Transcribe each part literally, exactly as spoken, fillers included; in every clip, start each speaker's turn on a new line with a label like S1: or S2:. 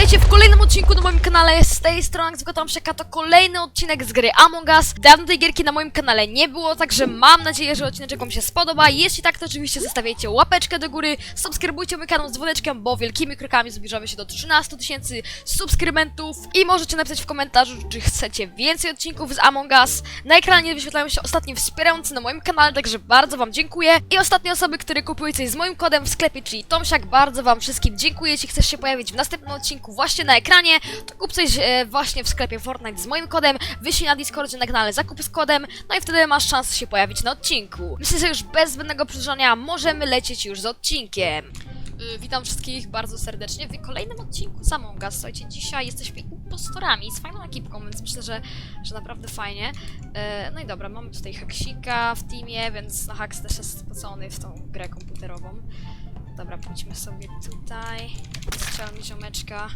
S1: Witajcie w kolejnym odcinku na moim kanale. Z tej strony Tomsiaka, to kolejny odcinek z gry Among Us. Dawno tej gierki na moim kanale nie było, także mam nadzieję, że odcinek wam się spodoba. Jeśli tak, to oczywiście zostawiajcie łapeczkę do góry, subskrybujcie mój kanał z dzwoneczkiem, bo wielkimi krokami zbliżamy się do trzynastu tysięcy subskrybentów. I możecie napisać w komentarzu, czy chcecie więcej odcinków z Among Us. Na ekranie wyświetlają się ostatni wspierający na moim kanale, także bardzo wam dziękuję. I ostatnie osoby, które kupiły coś z moim kodem w sklepie, czyli Tomsiak, bardzo wam wszystkim dziękuję. Jeśli chcesz się pojawić w następnym odcinku właśnie na ekranie, to kup coś e, właśnie w sklepie Fortnite z moim kodem, wyślij na Discordzie na kanale zakup z kodem, no i wtedy masz szansę się pojawić na odcinku. Myślę, że już bez zbędnego przedłużania możemy lecieć już z odcinkiem. Yy, witam wszystkich bardzo serdecznie w kolejnym odcinku z Among Us. Słuchajcie, dzisiaj jesteśmy impostorami z fajną ekipką, więc myślę, że, że naprawdę fajnie. Yy, no i dobra, mamy tutaj Haksika w teamie, więc no, Haks też jest spocony w tą grę komputerową. Dobra, pójdźmy sobie tutaj. Strzel mi ziomeczka.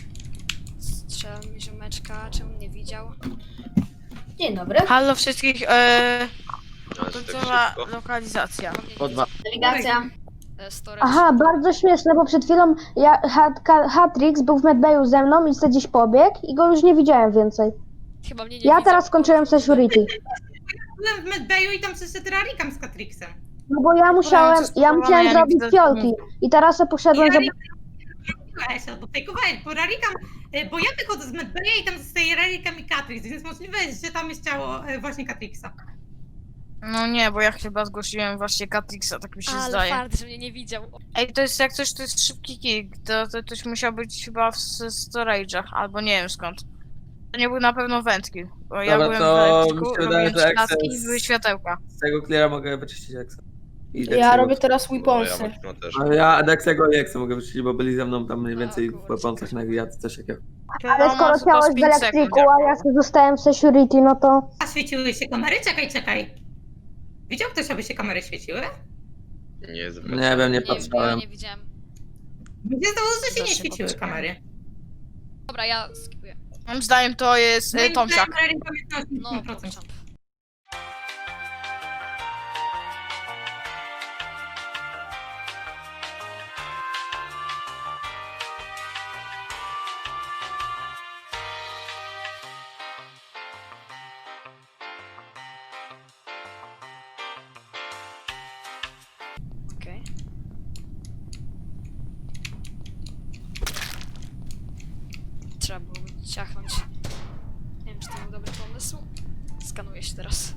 S1: Strzel mi ziomeczka, czemu nie widział?
S2: Dzień dobry.
S3: Halo wszystkich, e, końcowa lokalizacja.
S1: Po dwa.
S2: Delegacja.
S1: Storage.
S4: Aha, bardzo śmieszne, bo przed chwilą ja, Hat, Ka- Hatrix był w medbayu ze mną i sobie gdzieś pobiegł i go już nie widziałem więcej.
S1: Chyba mnie nie
S4: Ja
S1: widział.
S4: teraz skończyłem security.
S5: Byłem w medbayu i tam sobie terrarikam z Katrixem.
S4: No bo ja musiałem, ja musiałem zrobić fiolki i teraz sobie poszedłem, żeby...
S5: Zrobiłeś albo fejkowałeś, bo rarikam, bo ja wychodzę z medbaya i tam zostaje rarikam i Katrix, więc możliwe jest, że tam jest ciało e, właśnie Katrixa.
S3: No nie, bo ja chyba zgłosiłem właśnie Catrixa, tak mi się
S1: Ale
S3: zdaje.
S1: fart, że mnie nie widział.
S3: Ej, to jest jak coś, to jest szybki kick, to, to ktoś musiał być chyba w s- storage'ach, albo nie wiem skąd. To nie był na pewno wędki, bo ja
S6: Dobra,
S3: byłem
S6: to
S3: w elektryku,
S6: mi się wydaje,
S3: robiłem
S6: że
S3: śladki i
S6: access-
S3: były światełka.
S6: Z tego cleara mogę wyczyścić Exa. I
S7: Ja
S6: Dexego.
S7: robię teraz weaponsy.
S6: Ale ja Dexego i Exa mogę wyczyścić, bo byli ze mną tam mniej więcej
S1: O,
S6: w
S1: kurczę.
S6: weaponsach na ja coś takiego.
S4: Ale skoro ciało jest w elektryku, a ja sobie zostałem w security, no to...
S5: A świeciły się kamery? Czekaj, czekaj. Widział ktoś, aby się kamery świeciły?
S8: Nie,
S6: Nie wiem, nie
S1: Nie,
S6: patrzałem.
S1: nie widziałem.
S5: Mnie zdawało, że się nie
S3: Zawsze
S5: świeciły
S3: popatrzyłem.
S5: kamery.
S1: Dobra, ja skipuję.
S3: Moim zdaniem to jest e, Tomsiak.
S1: No,
S5: No,
S1: Tomsiak. Okej. Trzeba było ciachnąć. Nie wiem, czy to był dobry pomysł. Skanuję się teraz.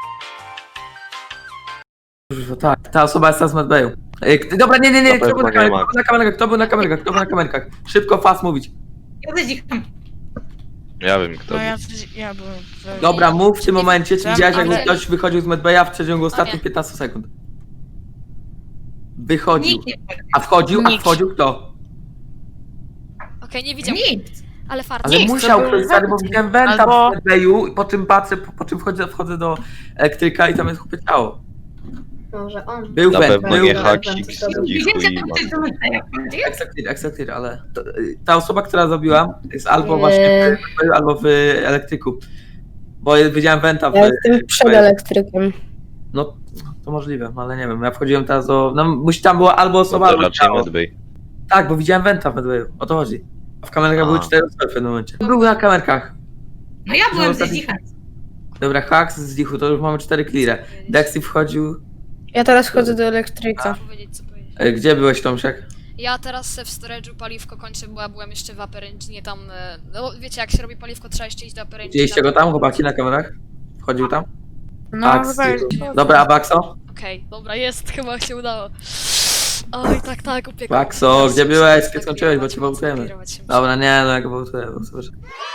S6: Kurwa, tak, ta osoba jest teraz w medbayu. Ej, k- Dobra, nie, nie, nie, kto był na kamerkach, kto był na kamerkach, kto był na kamerkach, kto był na kamerkach. Szybko, fast mówić.
S5: Ja zadzicham.
S8: Ja wiem kto.
S3: No ja, ja byłem w...
S6: Dobra, mów w tym momencie, czy
S3: Wiem,
S6: widziałeś, jakby
S3: ale-
S6: ktoś wychodził z medbaya w przeciągu ostatnich
S1: nie.
S6: piętnastu sekund? Wychodził.
S5: Nikt nie
S6: A wchodził, a
S3: Nikt.
S6: wchodził kto?
S1: Okej, nie widział.
S5: Nikt.
S1: Ale fart.
S6: Ale
S3: Nikt, to
S6: musiał
S3: był
S6: ktoś stary, bo
S3: węd.
S6: widziałem wenta
S3: Albo-
S6: w medbayu, po czym patrzę, po, po czym wchodzę, wchodzę do elektryka i tam jest chłopie ciało.
S2: Może on.
S6: Był
S8: Na
S6: węd,
S8: pewno
S6: był
S8: nie
S2: węd.
S8: haksik z cichu
S5: Widziałem, że
S8: i
S5: tam ktoś do medbaya wchodzi.
S6: Exaktir, exaktir, ale to, y, ta osoba, która zrobiła, jest albo
S2: Eee.
S6: właśnie w medbayu, albo w elektryku. Bo ja widziałem wenta w...
S7: Ja jestem przed elektrykiem.
S6: No, to możliwe, ale nie wiem, ja wchodziłem teraz do... No, musi tam była albo osoba,
S8: to
S6: albo
S8: raczej
S6: ciało.
S8: medbay.
S6: Tak, bo widziałem wenta w medbayu, o to chodzi. A w kamerkach
S8: A.
S6: były cztery osoby w pewnym momencie. Był na kamerkach.
S5: No ja byłem ze
S6: ostatni-
S5: zichem.
S6: Dobra, Haks z Dichu, to już mamy cztery cleare. Dexy wchodził...
S7: Ja teraz chodzę do
S1: Co
S7: elektryka.
S1: powiedzieć, co powiedzieć.
S6: E, Gdzie byłeś, Tomsiak?
S1: Ja teraz w storage'u paliwko kończę, bo ja byłem jeszcze w upper engine tam, e, no wiecie, jak się robi paliwko, trzeba jeszcze iść do upper engine.
S6: Widzieliście go tam, chłopaki, na kamerach? Wchodził tam?
S3: No
S6: Haks
S3: chyba
S6: z
S3: jest...
S6: Dichu. Dobra, a Baxo?
S1: Okej, dobra, jest, chyba się udało. Oj, tak, tak, upiekło.
S6: Baxo,
S1: Teraz
S6: gdzie
S1: muszę
S6: byłeś?
S1: tak
S6: Kiedy skończyłeś, bo
S1: kierować,
S6: cię
S1: mocno
S6: wołtujemy.
S1: kierować się muszę.
S6: Dobra, nie, no jak wołtuję, bo sobie...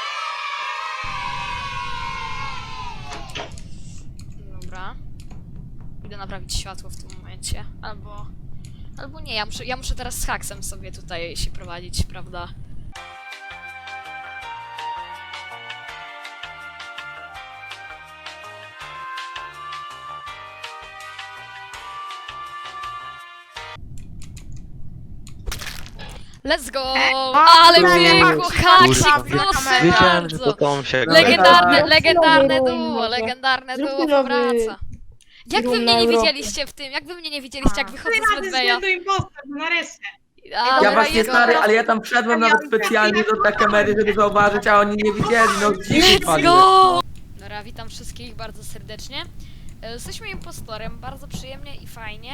S1: Dobra. Idę naprawić światło w tym momencie. Albo... Albo nie, ja muszę, ja muszę teraz z haksem sobie tutaj się prowadzić, prawda? Let's go! Ale piękło, haksik, proszę
S8: Wiedziałem, że to
S1: bardzo!
S8: Tomsiak.
S1: Legendarne,
S4: Dobra.
S1: legendarne
S4: Zróbmy
S1: duo,
S4: nowy.
S1: legendarne
S7: Zróbmy
S1: duo
S7: nowy
S1: powraca. Jak wy
S7: room
S1: mnie
S7: na
S1: nie
S7: Europę.
S1: widzieliście w tym? Jak wy mnie nie widzieliście, jak wychodzę z
S5: Rady
S1: Medbeja?
S5: względu impostor, no nareszcie.
S1: A,
S6: Ja właśnie
S1: jego-
S6: stary, ale ja tam wszedłem nawet specjalnie do tej kamery, żeby zauważyć, a oni nie widzieli, no dziś
S1: Let's go! Dobra, witam wszystkich bardzo serdecznie. E, Jesteśmy impostorem, bardzo przyjemnie i fajnie.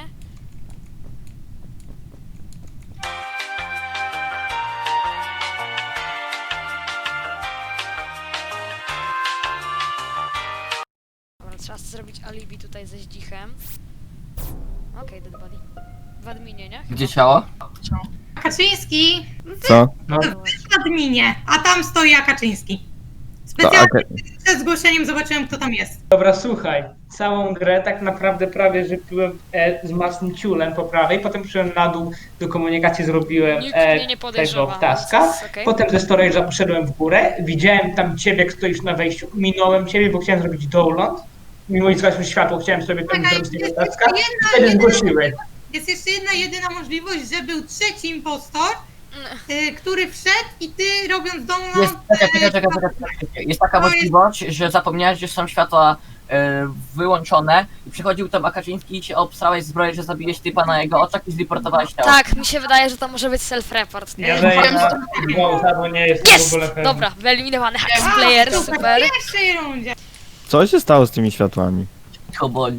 S1: Dobra, trzeba zrobić alibi tutaj ze Zdzichem. Okej, dead body. W adminie, nie?
S6: Gdzie ciało?
S5: Kaczyński
S9: Co?
S5: w adminie, a tam stoi Kaczyński. Specjalnie przed zgłoszeniem zobaczyłem, kto tam jest.
S10: Dobra, słuchaj, całą grę tak naprawdę prawie, że byłem e, z masnym ciulem po prawej, potem przyszedłem na dół, do komunikacji zrobiłem
S1: Nikt
S10: e,
S1: mnie nie
S10: tego
S1: podejrzewa.
S10: w taskach,
S1: więc okej.
S10: potem ze storage'a poszedłem w górę, widziałem tam ciebie, jak stoisz na wejściu, minąłem ciebie, bo chciałem zrobić download, mimo że zgasło światło, chciałem sobie tam
S5: Czekaj,
S10: zrobić tego
S5: jest
S10: taska,
S5: jeszcze
S10: i
S5: jedna,
S10: wtedy
S5: jedyna,
S10: zgłosiłeś.
S5: jest jeszcze jedna, jedyna możliwość, że był trzeci impostor, y, który wszedł i ty robiąc download...
S11: Jest, czekaj, czekaj,
S5: y,
S11: czekaj, czekaj, czekaj. Jest taka
S5: To jest-
S11: możliwość, że zapomniałeś, że są światła e, wyłączone i przychodził tam Akaczyński i cię obstrałeś zbroję, że zabiłeś typa na jego oczach i zreportowałeś ciało.
S1: Tak, mi się wydaje, że to może być self-report.
S10: Ja daję na gwałta, bo nie jestem
S1: Jest!
S10: w ogóle pewny.
S1: Dobra, wyeliminowany Hax
S5: A,
S1: Player,
S5: super,
S1: super.
S5: w pierwszej rundzie.
S9: Co się stało z tymi światłami?
S11: Cicho bądź.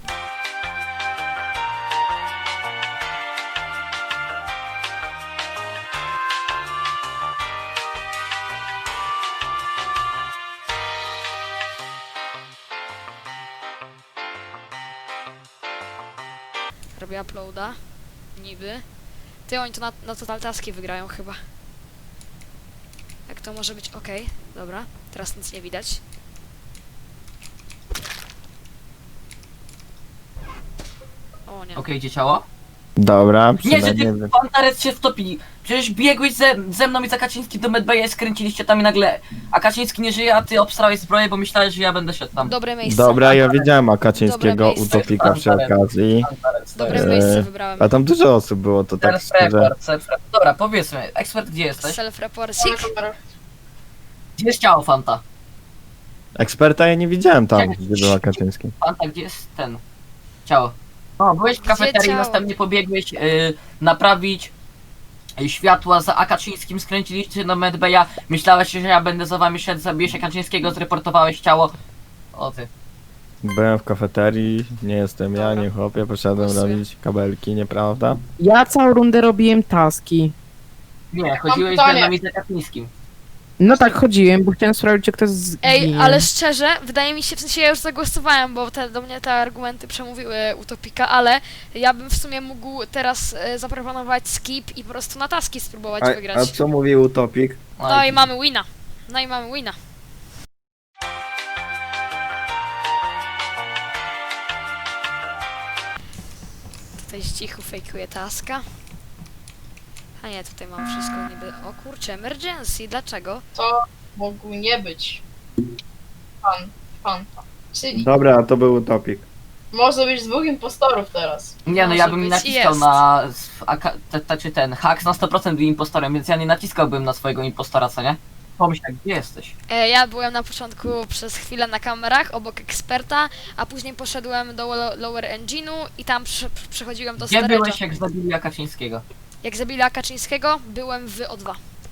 S1: Robię uploada. Niby. Ty, oni to na, na Total Taski wygrają chyba. Jak to może być? Okej, dobra. Teraz nic nie widać. O nie.
S11: Okej, gdzie ciało?
S9: Dobra,
S11: Nie, że
S9: przynajmniej...
S11: ty Pantares się wtopi. Przecież biegłeś ze, ze mną i za Kaczyński do Medbaya, skręciliście tam i nagle... A Kaczyński nie żyje, a ty obstrałeś zbroję, bo myślałeś, że ja będę szedł tam.
S1: Dobre miejsce.
S9: Dobra, ja widziałem Akaczyńskiego
S1: Dobre miejsce.
S9: utopika przy okazji.
S11: Pantares,
S1: Dobre
S9: Eee,
S1: miejsce wybrałem.
S9: A tam dużo osób było, to tak szczerze.
S11: Self-report, self-report. Dobra, powiedzmy, ekspert, gdzie jesteś?
S1: Self-reporcik.
S11: Gdzie jest ciało Fanta?
S9: Eksperta ja nie widziałem tam, gdzie był Akaczyński.
S11: Fanta, gdzie jest ten? Ciało. O, byłeś w kafeterii,
S1: ciało?
S11: następnie pobiegłeś yy, naprawić y, światła za Akaczyńskim, skręciliście do Medbaya, myślałeś, że ja będę za wami szedł, zabijesz Akaczyńskiego, zreportowałeś ciało. O ty.
S9: Byłem w kafeterii, nie jestem ja,
S1: Dobra.
S9: nie chłopie, poszedłem
S1: Głosuję.
S9: robić kabelki, nieprawda?
S12: Ja całą rundę robiłem taski.
S11: Nie, chodziłeś ze mną i za Kaczyńskim.
S12: No tak, chodziłem, bo chciałem sprawdzić, czy ktoś zginie.
S1: Ej, ale szczerze, wydaje mi się, w sensie ja już zagłosowałem, bo te, do mnie te argumenty przemówiły Utopika, ale ja bym w sumie mógł teraz e, zaproponować skip i po prostu na taski spróbować
S9: A,
S1: wygrać.
S9: a co mówił Utopik?
S1: No i mamy wina. No i mamy wina. Tutaj z cichu fejkuje taska. A nie, tutaj mam wszystko niby... O kurczę, emergency, dlaczego?
S13: To mógł nie być pan, Fanta. Czyli
S9: Dobra, to był Utopik.
S13: może być dwóch impostorów teraz.
S11: Nie, no
S1: Może
S11: ja bym
S1: być,
S11: naciskał
S1: jest.
S11: na... s- aka- te- te- czy ten, Hax na sto procent był impostorem, więc ja nie naciskałbym na swojego impostora, co nie? Pomyśl tak, gdzie jesteś?
S1: E, ja byłem na początku przez chwilę na kamerach obok eksperta, a później poszedłem do lo- lower engine'u i tam przy- przy- przechodziłem do
S11: Gdzie byłeś,
S1: storage'a.
S11: jak zabili Akaczyńskiego?
S1: Jak zabili Kaczyńskiego, byłem w O dwa.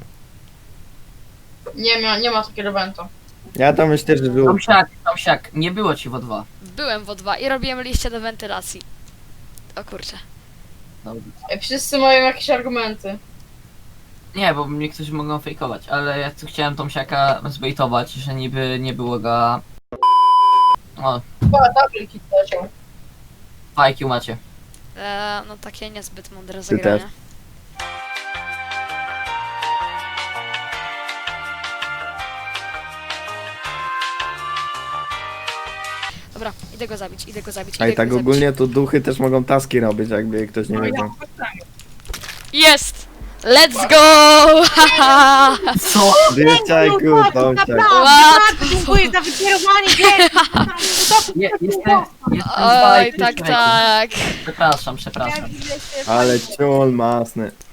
S13: Nie ma, nie ma takiego eventa.
S9: Ja to myślę, że był...
S11: Tomsiak, Tomsiak, nie było ci w O dwa.
S1: Byłem w O dwa i robiłem liście do wentylacji. O kurczę.
S13: Ej, wszyscy mają jakieś argumenty.
S11: Nie, bo niektórzy mogą fejkować, ale ja tu chciałem Tomsiaka zbejtować, że niby nie było go... O,
S13: Chyba double kill leciał.
S11: fajki macie.
S1: E, no takie niezbyt mądre
S9: Ty
S1: zagranie. Dobra, idę go zabić, idę go zabić,
S9: A
S1: idę
S9: i tak
S1: go zabić.
S9: ogólnie to duchy też mogą taski robić, jakby ktoś nie wiedział.
S1: Jest! Let's go! Haha!
S11: Co?
S9: Dzieciaku, Tomciak.
S1: Łatwo!
S5: Dziękuję za wykierowanie gier.
S11: Je, jestem... jestem
S1: Oj,
S11: bajki,
S1: tak,
S11: człowieku.
S1: tak.
S11: Przepraszam, przepraszam.
S9: Ale ciul masny.